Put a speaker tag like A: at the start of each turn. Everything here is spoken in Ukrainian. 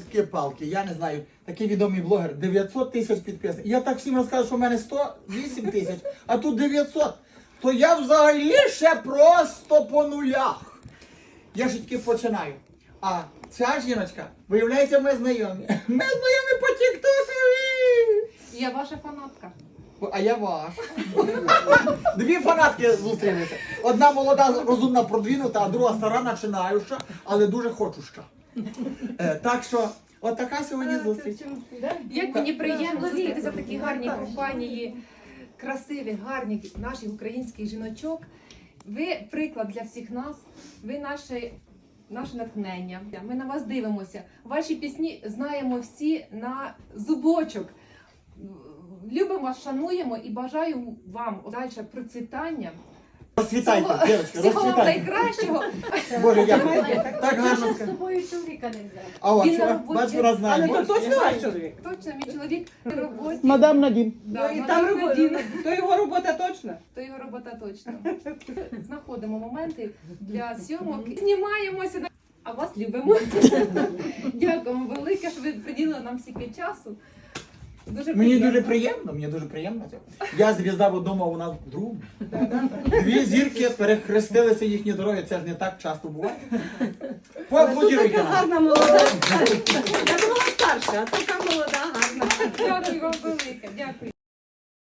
A: Йолки-палки, я не знаю, такий відомий блогер, 900 тисяч підписників. Я так всім розказую, що в мене 108 тисяч, а тут 900. То я взагалі ще просто по нулях. Я ж тільки починаю. А ця жіночка, виявляється, ми знайомі. Ми знайомі по тік-токові.
B: Я ваша фанатка.
A: А я ваш. Дві фанатки зустрілися. Одна молода, розумна, продвинута, а друга стара, починаюча, але дуже хочуща. Так що, от така сьогодні зустріч.
B: Як мені приємно зустрітися в такій гарній компанії, красивих, гарних наших українських жіночок. Ви приклад для всіх нас, ви наше натхнення. Ми на вас дивимося. Ваші пісні знаємо всі на зубочок. Любимо вас, шануємо і бажаю вам далі процвітання.
A: Розцвітайте, дівчатки,
B: Всього вам
A: розцвітайте.
B: найкращого.
A: Боже, дякую. Так гарно.
C: З
A: сказано.
C: собою чоловіка не взяв.
A: А от,
B: Він на роботі.
A: бач, вона знає.
D: Але то точно ваш чоловік?
B: Точно, мій чоловік на роботі.
A: Мадам Надім.
B: Да,
D: І
B: мадам
D: там робота.
B: Надіна.
D: То його робота точно?
B: То його робота точно. Знаходимо моменти для зйомок. Знімаємося, а вас любимо. Дякуємо велике, що ви приділили нам стільки часу. Дуже
A: Мені
B: приємно.
A: дуже приємно це. Я звізда в одному, а у нас в другому. Дві зірки, перехрестилися їхні дороги, це ж не так часто буває.
D: Тут
A: Поаплодіруйте
D: така
A: нам.
D: гарна молода. Я думала старша, а така молода, гарна.
B: Дякую вам велике. Дякую.